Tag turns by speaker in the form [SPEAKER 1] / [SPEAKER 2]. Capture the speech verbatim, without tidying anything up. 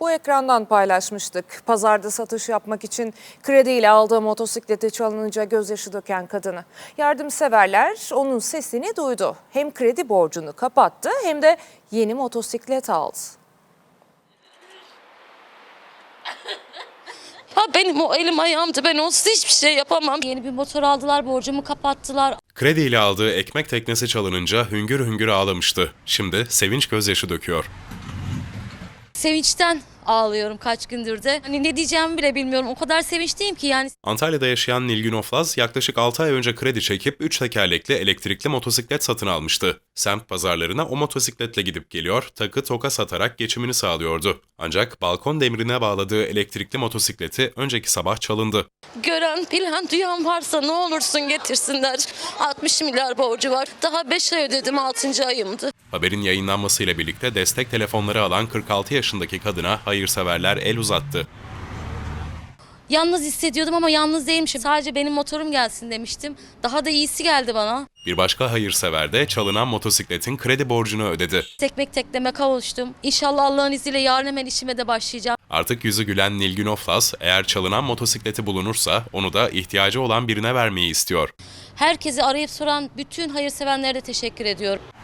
[SPEAKER 1] Bu ekrandan paylaşmıştık. Pazarda satış yapmak için krediyle aldığı motosikleti çalınınca gözyaşı döken kadını. Yardımseverler onun sesini duydu. Hem kredi borcunu kapattı hem de yeni motosiklet aldı.
[SPEAKER 2] Ha benim o elim ayağımdı, ben onsuz hiçbir şey yapamam. Yeni bir motor aldılar, borcumu kapattılar.
[SPEAKER 3] Krediyle aldığı ekmek teknesi çalınınca hüngür hüngür ağlamıştı. Şimdi sevinç gözyaşı döküyor.
[SPEAKER 2] Sevinçten ağlıyorum kaç gündür de. Hani ne diyeceğimi bile bilmiyorum. O kadar sevinçliyim ki yani.
[SPEAKER 3] Antalya'da yaşayan Nilgün Oflaz yaklaşık altı ay önce kredi çekip üç tekerlekli elektrikli motosiklet satın almıştı. Semt pazarlarına o motosikletle gidip geliyor, takı toka satarak geçimini sağlıyordu. Ancak balkon demirine bağladığı elektrikli motosikleti önceki sabah çalındı.
[SPEAKER 2] Gören, bilen, duyan varsa ne olursun getirsinler. altmış milyar borcu var. Daha beş ay ödedim, altıncı ayımdı.
[SPEAKER 3] Haberin yayınlanmasıyla birlikte destek telefonları alan kırk altı yaşındaki kadına hayırseverler el uzattı.
[SPEAKER 2] Yalnız hissediyordum ama yalnız değilmişim. Sadece benim motorum gelsin demiştim. Daha da iyisi geldi bana.
[SPEAKER 3] Bir başka hayırsever de çalınan motosikletin kredi borcunu ödedi.
[SPEAKER 2] Tekmek tekleme kavuştum. İnşallah Allah'ın izniyle yarın hemen işime de başlayacağım.
[SPEAKER 3] Artık yüzü gülen Nilgün Oflaz, eğer çalınan motosikleti bulunursa onu da ihtiyacı olan birine vermeyi istiyor.
[SPEAKER 2] Herkesi arayıp soran bütün hayırsevenlere de teşekkür ediyorum.